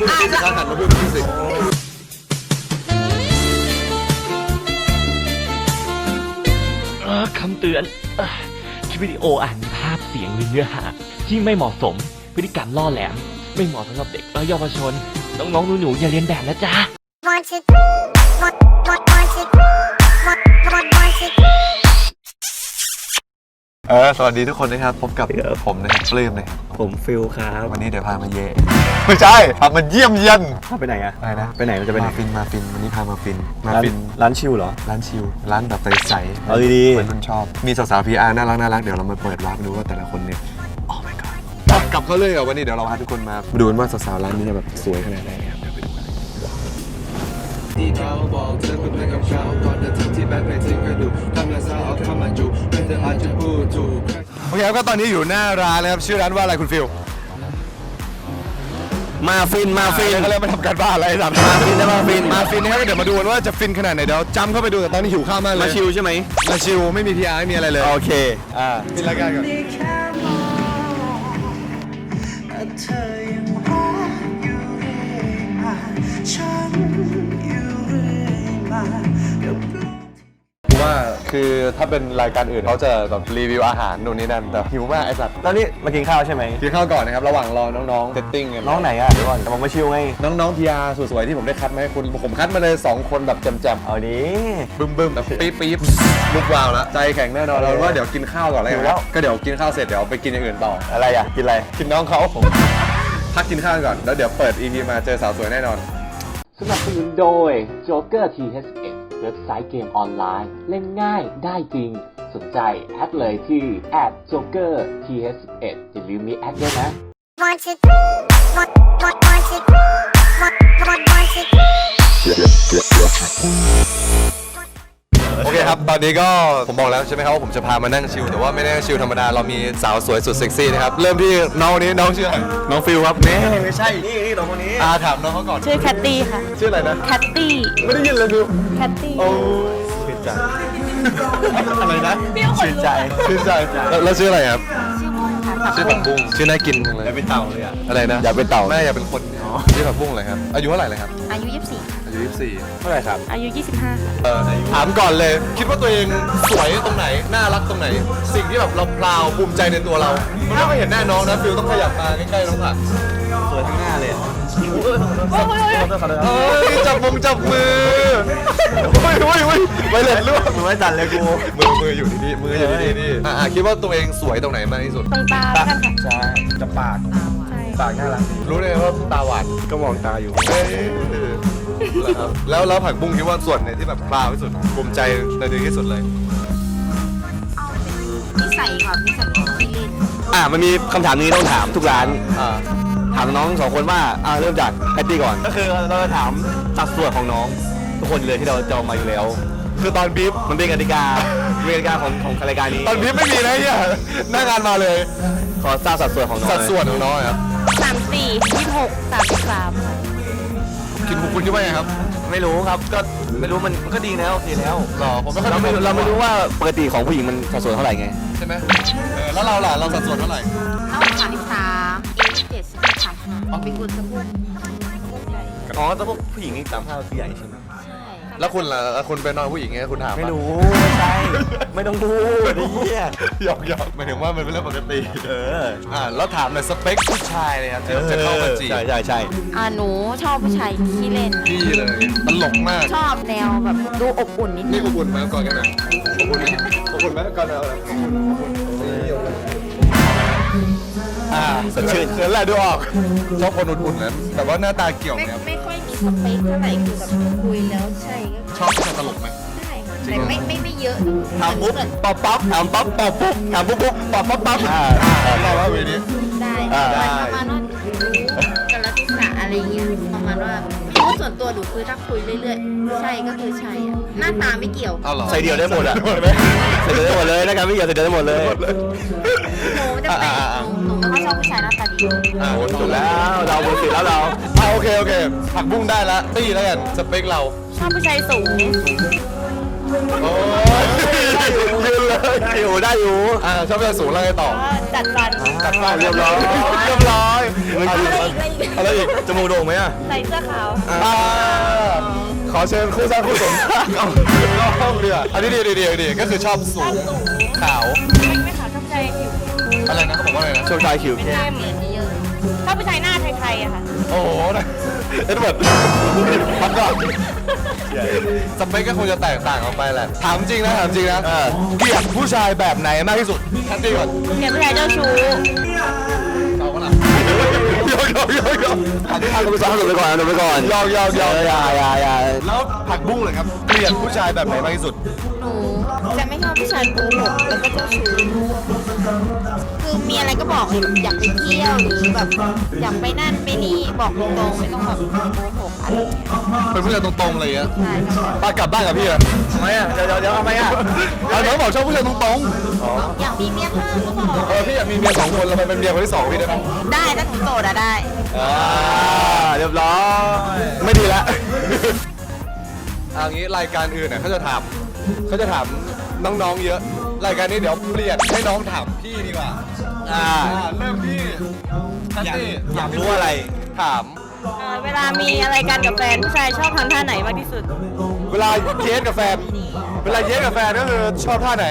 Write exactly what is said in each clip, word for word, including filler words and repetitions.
ข้าหันมาพูดพี่สิคำเตือนคลิปวิดีโออาจมีภาพเสียงหรือเนื้อหาที่ไม่เหมาะสมพฤติกรรมล่อแหลมไม่เหมาะสำหรับเด็กและเยาวชนน้องๆหนูๆอย่าเลียนแบบนะจ๊ะเออสวัสดีทุกคนนะครับพบกับผมนะครับปลื้มนะครับผมฟิลครับวันนี้เดี๋ยวพามาเย่ไม่ใช่พามาเยี่ยมเยียนพาไปไหนอะไปนะไปไหนมันจะไปไหนมาฟินมาฟินวันนี้พามาฟินมาฟินร้านชิลเหรอร้านชิลร้านแบบใสๆเอาดีๆเหมือนคุณชอบมีสาวๆ พี อาร์ น่ารักน่ารักเดี๋ยวเรามาเปิดวาร์ปดูว่าแต่ละคนเนี่ยโอ้ my god กลับเขาเลยเหรอวันนี้เดี๋ยวเราพาทุกคนมาดูกันว่าสาวๆร้านนี้จะแบบสวยขนาดไหนครับเดี๋ยวไปดูกันที่เขาบอกเธอเป็นเพื่อนกับเขาก่อนจะทิ้งที่แบงค์ไปทิ้งกระดูกทำลายซาเอาเข้ามาจูไม่เธออาจจะพูดถูกโอเคครับก็ตอนนี้อยู่หน้าร้านนะครับชื่อร้านว่าอะไรคุณฟิลมาฟินมาฟินเขาเริ่มมาทำการบ้านอะไรทำมาฟินนะมาฟินมาฟินนะครับเดี๋ยวมาดูกันว่าจะฟินขนาดไหนเดี๋ยวจำเข้าไปดูแต่ตอนนี้หิวข้าวมากเลยมาชิลใช่ไหมมาชิลไม่มี พี อาร์ ไม่มีอะไรเลยโอเคอ่าฟินรายการก่อนว่าคือถ้าเป็นรายการอื่นเขาจะแบบรีวิวอาหารนู่นนี่นั่นแต่หิวมากไอ้สัตว์ตอนนี้มากินข้าวใช่ไหมกินข้าวก่อนนะครับระหว่างรอน้องๆเซตติ้งน้องไหนอ่ะเดี๋ยวก่อนแต่ผมมาชิลไงน้องๆ พี อาร์ สวยๆที่ผมได้คัดมาให้คุณผมคัดมาเลยสองคนแบบแจ่มๆเอาดิบึ้มๆแบบปี๊บปี๊บลุกวาวแล้วใจแข็งแน่นอนเราว่าเดี๋ยวกินข้าวก่อนเลยก็เดี๋ยวกินข้าวเสร็จเดี๋ยวไปกินอย่างอื่นต่ออะไรอ่ะกินอะไรกินน้องเขาผมพักกินข้าวก่อนแล้วเดี๋ยวเปิด อี พี มาเจอสาวสวยแน่นอนสนับสนุนโดย Joker ที เอช เอส เว็บไซต์เกมออนไลน์เล่นง่ายได้จริงสนใจแอดเลยที่ แอท โจ๊กเกอร์ ที เอช เอส อย่าลืมมีแอดด้วยนะโอเคครับตอนนี้ก็ผมบอกแล้วใช่ไหมครับว่าผมจะพามานั่งชิลแต่ว่าไม่ได้ชิลธรรมดาเรามีสาวสวยสุดเซ็กซี่นะครับเริ่มที่น้องนี้น้องชื่ออะไรน้องฟิลครับนี่ไม่ใช่นี่นี่น้องคนนี้อาถามน้องเขาก่อนชื่อแคตตี้ค่ะชื่ออะไรนะแคตตี้ไม่ได้ยินเลยฟิลแคตตี้โอ้ชื่นใจอะไรนะชื่นใจชื่นใจแล้วชื่ออะไรครับชื่อบุ้งค่ะชื่อผักบุ้งชื่อน่ากินจังเลยอย่าเป็นเต่าเลยอะอะไรนะอย่าเป็นเต่าแม่อย่าเป็นคนชื่อผักบุ้งอะไรครับอายุเท่าไหร่เลยครับอายุยี่สิบสี่อายุยี่สิบสี่เท่าไหร่ครับอายุยี่สิบห้าเออถามก่อนเลยคิดว่าตัวเองสวยตรงไหนน่ารักตรงไหนสิ่งที่แบบเราพราวภูมิใจในตัวเรามันไม่ค่อยเห็นแน่น้องนะฟิลต้องขยับมาใกล้ๆน้องผักสวยทั้งหน้าเลยเฮ้ยจับมงจับมือเฮ้ยเฮ้ยเฮ้ยไปเลยลูกมือไม่สั่นเลยกูมือมืออยู่ที่นี่มืออยู่ที่นี่อ่าคิดว่าตัวเองสวยตรงไหนมากที่สุดตรงตากันค่ะใช่จะปากปากน่ารักรู้เลยว่าตาหวานก็มองตาอยู่แล้วแล้วผักบุ้งคิดว่าส่วนไหนที่แบบพราวที่สุดภูมิใจในตัวที่สุดเลยนิสัยค่ะนิสัยของที่เล่นอ่ามันมีคำถามนี้ต้องถามทุกร้านอ่าถามน้องสองคนว่าอ่าเริ่มจากแพตตี้ก่อนก็คือเราจะถามสัดส่วนของน้องทุกคนเลยที่เราจะมาอยู่แล้วคือตอนบีฟมันเป็นกติกาเป็นกติกาของของรายการนี้ตอนบีฟไม่มีนะเนี่ยหน้างานมาเลยขอทราบสัดส่วนของน้องสัดส่วนของน้องครับสามสี่ยี่สิบหกสามสิบสามคิดคุณคิดว่าไงครับไม่รู้ครับก็ไม่รู้มันก็ดีแล้วโอเคแล้วหรอผมไม่เราไม่เราไม่รู้ว่าปกติของผู้หญิงมันสัดส่วนเท่าไหร่ไงใช่ไหมเออแล้วเราล่ะเราสัดส่วนเท่าไหร่เท่าสามสิบสามเอเจ็ดสิบสามออกเป็นกุลสะพุนใหญ่อ๋อแต่พวกผู้หญิงนี่สามห้าคือใหญ่ใช่ไหมแล้วคุณล่ะคุณเป็นน้องผู้หญิงไงคุณถามไม่รู้ไม่ใช่ไม่ต้องพูดเนี่ยหยอกหยอกหมายถึงว่ามันเป็นเรื่องปกติเอออ่าแล้วถามเลยสเปคผู้ชายเลยครับที่เราจะเข้ามาจีบใช่ใช่ใช่อ่าหนูชอบผู้ชายขี้เล่นขี้เลยตลกมากชอบแนวแบบดูอบอุ่นนิดนึงนี่อบอุ่นไหมก่อนกันนะอบอุ่นไหมอบอุ่นไหมก่อนเอาเลยอ่าสดชื่นเขินแหละดูออกชอบคนอุ่นๆนะแต่ว่าหน้าตาเกี่ยวไหมครับไม่ค่อยมีสเปคเท่าไหร่คือแบบคุยแล้วใช่ชอบคนตลกไหมได้แต่ไม่ไม่ไม่เยอะถามปุ๊บป๊อปป๊อปถามป๊อปป๊อปปุ๊บถามปุ๊บปุ๊บป๊อปป๊อปป๊อปอ่าเราว่าเวนี้ได้ประมาณว่ากันละทิศะอะไรเงี้ยประมาณว่าเพราะส่วนตัวดูคือถ้าคุยเรื่อยๆใช่ก็คือใช่หน้าตาไม่เกี่ยวใส่เดียวได้หมดอ่ะใส่เดียวได้หมดเลยนะครับไม่เกี่ยวใส่เดียวได้หมดเลยหนูจะเป็นหนูไม่ค่อยชอบผู้ชายหน้าตาดีอ่าจบแล้วเราหมดสิทธิ์แล้วเราอ่าโอเคโอเคผักบุ้งได้แล้วตี้แล้วกันสเปคเราชอบผู้ชายสูงโอ้ยยืนเลยได้อยู่ได้อยู่อ่าชอบผู้ชายสูงแล้วไงต่อจัดฟันตัดฟันเรียบร้อยเรียบร้อยอะไรอีกจมูกโด่งไหมอ่ะใส่เสื้อขาวอ่าขอเชิญคู่สร้างคู่สมเอาเอาเรืออันนี้ดีดีดีดีก็คือชอบสูงขาวไม่ขาวชอบใจผิวอะไรนะเขาบอกว่าอะไรนะชอบชายคิวเข้มชอบผู้ชายหน้าไทยๆอะค่ะโอ้โหเอ็ดเวิร์ดพักก่อนสเปคก็คงจะแตกต่างออกไปแหละถามจริงนะถามจริงนะเกลียดผู้ชายแบบไหนมากที่สุดทันทีก่อนเกลียดผู้ชายเจ้าชู้เอาก็ล่ะยอกยอกยอกยอกอันนี้ทางกรรมการหลบไปก่อนหลบไปก่อนยอกยอกยอกอย่าอย่าอย่าแล้วผักบุ้งเลยครับเกลียดผู้ชายแบบไหนมากที่สุดหนูจะไม่ชอบผู้ชายโกหกแล้วก็เจ้าชู้คือมีอะไรก็บอกเลยอยากไปเที่ยวหรือแบบอยากไปนั่นไปนี่บอกตรงๆไม่ต้องแบบโกหกอะไรอย่างเงี้ยเป็นผู้ชายตรงๆเลยอ่ะใช่ค่ะป้ากลับบ้านกับพี่อ่ะทำไมอ่ะเดี๋ยวเดี๋ยวเดี๋ยวทำไมอ่ะเอาน้องบอกชอบผู้ชายตรงๆอ๋ออยากมีเมียเพิ่มก็บอกเออพี่อยากมีเมียสองคนเราไปเป็นเมียคนที่สองพี่ได้ไหมได้ถ้าหนูโสดอะได้อ่าเรียบร้อยไม่ดีละเอางี้รายการอื่นเนี่ยเขาจะถามเขาจะถามน้องๆเยอะ รายการนี้เดี๋ยวเปลี่ยนให้น้องถามพี่ดีกว่าอ่าเริ่มที่อยากอยากรู้อะไรถามเอ่อเวลามีอะไรกันกับแฟนผู้ชายชอบทำท่าไหนมากที่สุดเวลาเย้กับแฟน เวลาเย้กับแฟนก็คือชอบท่าไหน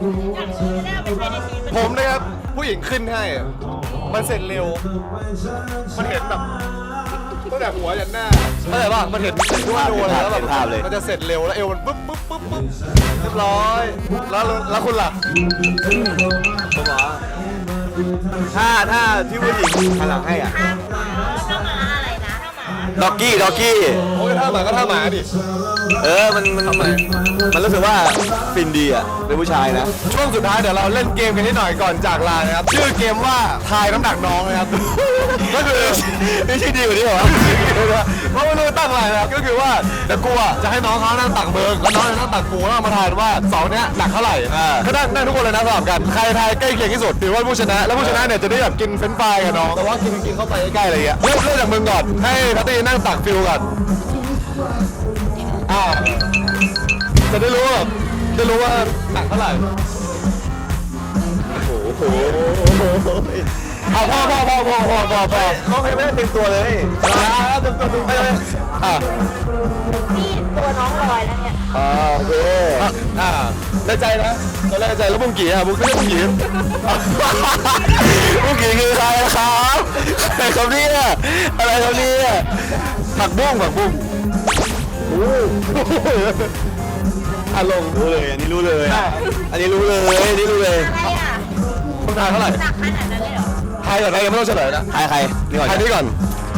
ผมนะครับผู้หญิงขึ้นให้ มันเสร็จเร็ว มันเห็นแบบตั้งแต่หัวยันหน้าเข้าใจป่ะมันเห็นทุกดูเลยแล้วแบบมันจะเสร็จเร็วแล้วเอวมันปุ๊บปุ๊บปุ๊บปุ๊บเรียบร้อยแล้วแล้วคุณล่ะผมเหรอถ้าถ้าที่ผู้หญิงหันหลังให้อ่ะถ้าหมาอะไรนะถ้าหมาด็อกกี้ด็อกกี้โอ้ยท่าหมาก็ท่าหมาดิเออมันมันมันรู้สึกว่าฟินดีอ่ะเป็นผู้ชายนะช่วงสุดท้ายเดี๋ยวเราเล่นเกมกันนิดหน่อยก่อนจากลานะครับชื่อเกมว่าทายน้ำหนักน้องนะครับ ก็คือนี่ชื่อดีกว่านี้เหรอเพราะว่ารู้ตั้งอะไรนะครับก็คือว่าเดี๋ยวกูอ่ะจะให้น้องเขานั่งตักเบิร์กแล้วน้องจะนั่งตักกูแล้วมาทายว่าสองเนี้ยหนักเท่าไหร่ก็นั่งนั่งทุกคนเลยนะสลับกันใครทายใกล้เคียงที่สุดถือว่าผู้ชนะแล้วผู้ชนะเนี่ยจะได้แบบกินเฟรนช์ฟรายกับน้องแต่ว่ากินกินเข้าไปใกล้ๆอะไรอย่างเงี้ยเริ่มเริ่มจากมึงก่อนให้ทัตตี้นั่งตักฟิลก่อนอ่าจะได้รู้ว่าจะรู้ว่าหนักเท่าไหร่โอ้โหเอาพ่อพ่อพ่อพ่อพ่อพ่อพ่อน้องยังไม่ได้เต็มตัวเลยอ่าเต็มตัวเต็มตัวอ่านี่ตัวน้องลอยแล้วเนี่ยอ่าโอเคอ่าได้ใจนะตอนแรกใจแล้วบุ้งกี่อ่ะบุ้งก็เรียกบุ้งกี่บุ้งกี่คือใครครับใครครับเนี่ยอะไรครับเนี่ยผักบุ้งผักบุ้งโอ้อารมณ์รู้เลยอันนี้รู้เลยอันนี้รู้เลยอันนี้รู้เลยอะไรอ่ะต้องทายเท่าไหร่หนักขนาดนั้นเลยเหรอทายก่อนนะยังไม่ต้องเฉลยนะทายใครนี่ก่อนทายนี่ก่อน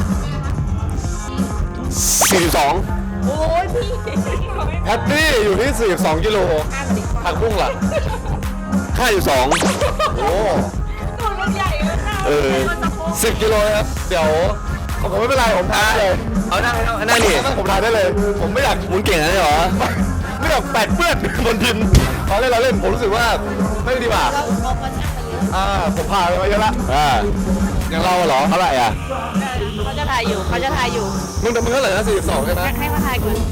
สี่สิบสองโอ้ยพี่แพตตี้อยู่ที่สี่สิบสองกิโลผักบุ้งล่ะห้าสิบสองโอ้ตัวมันใหญ่เลยค่ะเออสิบกิโลนะครับเดี๋ยวผมไม่เป็นไรผมทายเลยเอาหน้าให้หน้านี่ผมทายได้เลย ผมไม่อยากหมุนเก่งนะเหรอไม่อยากแปดเปื้อนบนดินเราเล่นเราเล่นผมรู้สึกว่าไม่ดีกว่าเราเอามาช่างมาเยอะอ่าผมพาไปเยอะละอ่าอย่างเราเหรอเท่าไหร่อ่ะเขาจะถ่ายอยู่เขาจะถ่ายอยู่มึงมึงเท่าไหร่นะสี่สิบสองใช่ไหมให้มาถ่ายก่อน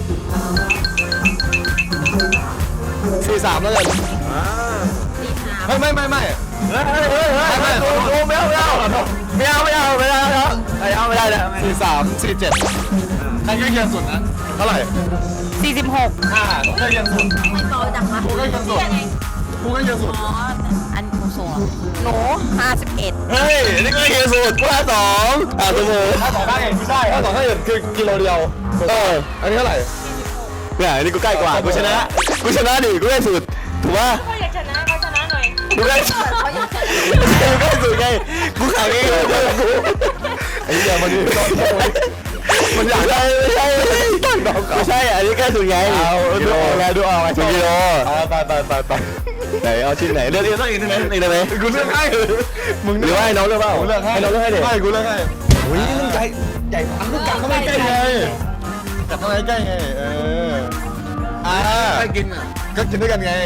สี่สามแล้วกันสีขาวไม่ไม่ไม่ไม่เฮ้ยเฮ้ยเฮ้ยไม่ไม่ไม่เอาไม่เอาไม่เอาไม่เอาไม่เอาไม่เอาไม่เอาไม่ได้เลยสี่สามสี่เจ็ดใครใกล้เคียงสุดนะเท่าไหร่สี่สิบหกอ่าใกล้เคียงสุดไม่เบาจังวะกูใกล้เคียงสุดกูใกล้เคียงสุดอ๋ออันหนูสูงหนูห้าสิบเอ็ดเฮ้ยนี่ใกล้เคียงสุดกูห้าสองอ่าเสมอห้าสองห้าเอ็ดไม่ใช่ห้าสองห้าเอ็ดคือกิโลเดียวเอออันนี้เท่าไหร่เนี่ยอันนี้กูใกล้กว่ากูชนะกูชนะดิกูใกล้สุดถูกป่ะเขาอยากชนะเขาชนะหน่อยกูใกล้สุดเขาอยากจะกูใกล้สุดไงกูขังเองเลยไอ้เหี้ยมันมันอยากได้ไม่ใช่ไม่ใช่อันนี้ใกล้สุดไงเอาดูออกแล้วดูออกไอ้กิโลเอาไปไปไปไปไหนเอาชิ้นไหนเลือกเลือกต้องอีกได้ไหมอีกได้ไหมกูเลือกให้มึงหรือว่าให้น้องเลือกเปล่าเลือกให้น้องเลือกให้เด็กไม่กูเลือกให้อุ้ยมันใหญ่ใหญ่อันนี้กัดเข้าไปใกล้ไงกัดเข้าไปใกล้ไงเอออ่าให้กินก็กินด้วยกันไง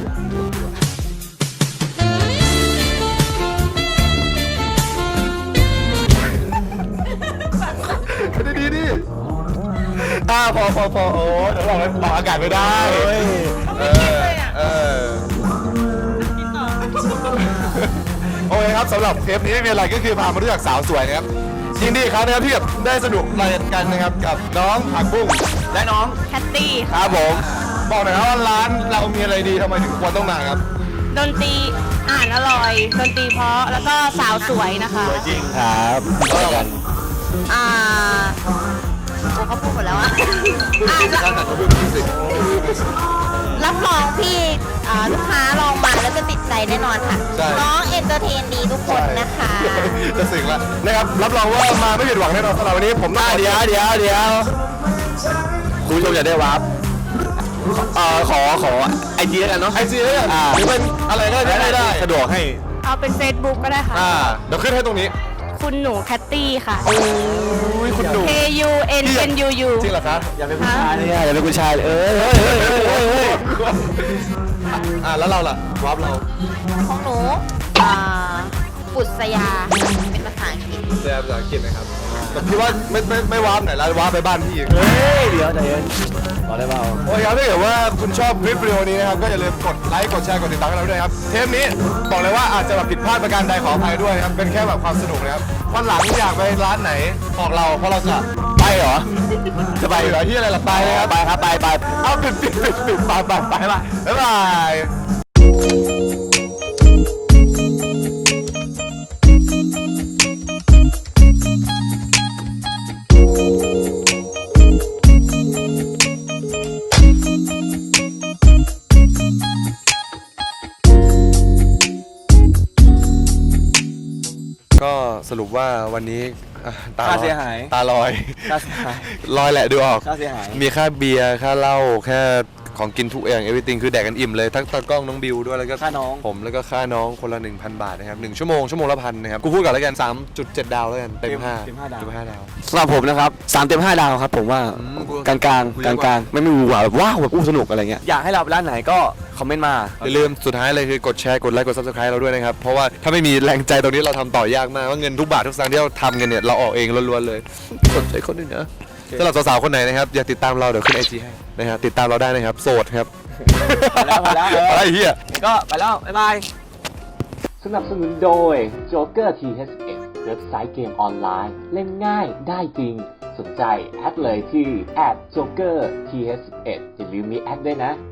ดีดีดิอ่าพอพอพอโอ้เดี๋ยวเราไปปากอากาศไม่ได้เออเออโโอเคครับสำหรับเทปนี้ไม่มีอะไรก็คือพามารู้จักสาวสวยนะครับยินดีครับนะครับที่แบบได้สนุกรายกันนะครับกับน้องผักบุ้งและน้องแคตตี้ครับผมบอกหน่อยครับว่าร้านเรามีอะไรดีทำไมถึงควรต้องมาครับดนตรีอ่านอร่อย ดนตรีเพราะแล้วก็สาวสวยนะคะจริงครับกันอ่าโอ้เขาพูดหมดแล้วอะอ่าการตัดกระเบื้องฟิสิกส์รับรองพี่อ่าลูกค้าลองมาแล้วจะติดใจแน่นอนค่ะใช่น้องเอนเตอร์เทนดีทุกคนนะคะจะสึกแล้วนะครับรับรองว่ามาไม่ผิดหวังแน่นอนสำหรับวันนี้ผมต้องเดี๋ยวเดี๋ยวเดี๋ยวคุณผู้ชมอยากได้วาร์ปเอ่อขอขอไอจีแล้วกันเนาะไอจีแล้วกันหรือเป็นอะไรก็ได้ได้สะดวกให้เอาเป็น Facebook ก็ได้ค่ะอ่าเดี๋ยวขึ้นให้ตรงนี้คุณหนูแคตตี้ค่ะโอ้ยคุณหนู K U N N U U จริงเหรอคะอย่าเป็นผู้ชายเลยอะอย่าเป็นผู้ชายเอ้ยเฮ้ยเฮ้ยเฮ้ยเฮ้ยอ่าแล้วเราล่ะวาร์ปเราของหนูอ่าปุษยาเป็นภาษาอังกฤษแปลภาษาอังกฤษนะครับแต่พี่ว่าไม่ไม่ไม่วาร์ปไหนแล้ววาร์ปไปบ้านพี่อีกเฮ้ยเดี๋ยวใจเย็นขอได้เปล่าโอ้ยครับถ้าเกิดว่าคุณชอบคลิปวิดีโอนี้นะครับก็อย่าลืมกดไลค์กดแชร์กดติดตามกันเราด้วยครับเทปนี้บอกเลยว่าอาจจะแบบผิดพลาดประการใดขออภัยด้วยนะครับเป็นแค่แบบความสนุกนะครับวันหลังอยากไปร้านไหนบอกเราเพราะเราจะไปเหรอจะไปเหรอที่อะไรล่ะไปเลยครับไปครับไปไปเอาปิดปิดปิดปิดไปไปไปไปบ๊ายบายก็สรุปว่าวันนี้อ่ะตาลค่าอยเสียหายตาลอยค่าเสียหายลอยแหละดูออกค่าเสียหายมีค่าเบียร์ค่าเหล้าแค่ของกินทุกอย่าง everything คือแดกกันอิ่มเลยทั้งตากล้องน้องบิวด้วยแล้วก็ค่าน้องผมแล้วก็ค่าน้องคนละ หนึ่งพัน บาทนะครับหนึ่งชั่วโมงชั่วโมงละพันนะครับกูพูดก่อนแล้วกัน สามจุดเจ็ด ดาวแล้วกันเต็มห้าเต็มห้าดาวเต็มห้าดาวสำหรับผมนะครับสามเต็มห้าดาวครับผมว่าอืมกูกลางกลางกูกเยลางอะกกว่าลางๆไม่ไม่หวือหวาแบบว้าวแบบอู้สนุกอะไรเงี้ยอยากให้เราร้านไหนก็คอมเมนต์มาอย่าลืมสุดท้ายเลยคือกดแชร์กดไลค์กด subscribe เราด้วยนะครับเพราะว่าถ้าไม่มีแรงใจตรงนี้เราทำต่อยากมากว่าเงินทุกบาททุกสตางค์ที่เราทำกันเนี่ยเราออกเองล้วนๆเลยสนใจคนอื่นนะสำหรับสาวๆคนไหนนะครับอยากติดตามเราเดี๋ยวขึ้นไอจีให้นะครับติดตามเราได้นะครับโสดครับมาแล้วมาแล้วเอออะไรเฮียก็ไปแล้ว บ๊ายบายสนับสนุนโดย Joker ที เอช เอ็กซ์ เว็บไซต์เกมออนไลน์ เล่นง่ายได้จริง สนใจแอดเลยที่ แอท โจ๊กเกอร์ ที เอช เอ็กซ์ อย่าลืมมีแอดด้วยนะ